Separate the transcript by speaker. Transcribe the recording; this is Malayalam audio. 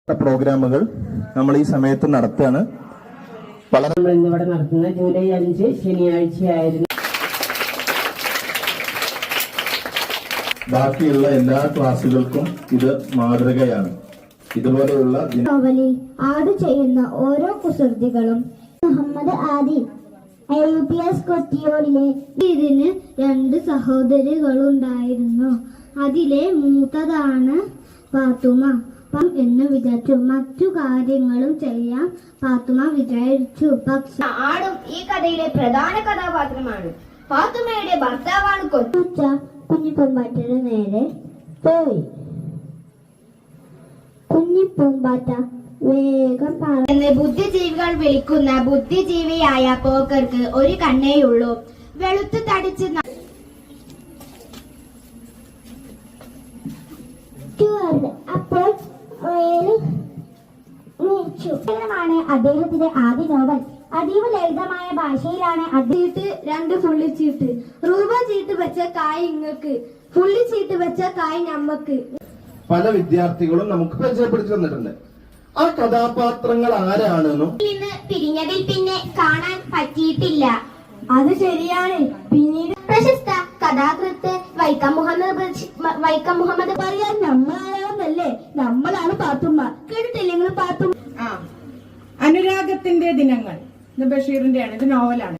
Speaker 1: പ്രോഗ്രാമുകൾ നമ്മൾ ഈ സമയത്ത് നടത്തുകയാണ്.
Speaker 2: ഇന്നിവിടെ നടത്തുന്ന ജൂലൈ 5 ശനിയാഴ്ചയായിരുന്നു.
Speaker 1: ബാക്കിയുള്ള എല്ലാ ക്ലാസുകൾക്കും ഇത് മാതൃകയാണ്. ഇതുപോലെയുള്ള
Speaker 3: നോവലിൽ ആഡ് ചെയ്യുന്ന ഓരോ കുസൃതികളും മുഹമ്മദ് ആദി UPS കൊട്ടിയോടിലെ ഇതിന് 2 സഹോദരികളുണ്ടായിരുന്നു. അതിലെ മൂത്തതാണ് പാത്തുമ എന്ന് വിചാരിച്ചു. മറ്റു കാര്യങ്ങളും ചെയ്യാൻ പാത്തുമ വിചാരിച്ചു. പക്ഷെ
Speaker 4: ആടും ഈ കഥയിലെ പ്രധാന കഥാപാത്രമാണ്. പാത്തുമയുടെ ഭർത്താവാണ്
Speaker 3: കുഞ്ഞിപ്പൂമ്പാറ്റയുടെ നേരെ പോയി. കുഞ്ഞിപ്പൂമ്പാറ്റ വേഗം
Speaker 4: എന്ന് ബുദ്ധിജീവികൾ വിളിക്കുന്ന ബുദ്ധിജീവിയായ പോക്കർക്ക് ഒരു കണ്ണേയുള്ളൂ. വെളുത്തു തടിച്ച്
Speaker 3: അപ്പോൾ അദ്ദേഹത്തിന്റെ ആദ്യ നോവൽ. അതീവ ലളിതമായ ഭാഷയിലാണ്. ചീട്ട് 2 ഫുള്ളി ചീട്ട്. രൂപ ചീട്ട് വെച്ച കായ് ഇങ്ങക്ക്, ഫുള്ളി ചീട്ട് വെച്ച കായ് നമ്മക്ക്.
Speaker 1: പല വിദ്യാർത്ഥികളും നമുക്ക് പരിചയപ്പെടുത്തി തന്നിട്ടുണ്ട്. ആ കഥാപാത്രങ്ങൾ ആരാണെന്നും
Speaker 4: നിന്ന് പിരിഞ്ഞതിൽ പിന്നെ കാണാൻ പറ്റിയിട്ടില്ല.
Speaker 3: അത് ശരിയാണ്. പിന്നീട്
Speaker 4: പ്രശസ്ത കഥാകൃത്ത് വൈക്കം മുഹമ്മദ്
Speaker 3: പറയാൻ നമ്മളാണെന്നല്ലേ? നമ്മളാണ് പാത്തുമ്മ. കേട്ടിട്ടില്ലെങ്കിൽ പാത്തുമ്മ.
Speaker 2: അനുരാഗത്തിന്റെ ദിനങ്ങൾ ബഷീറിന്റെയാണ്. ഇത് നോവലാണ്.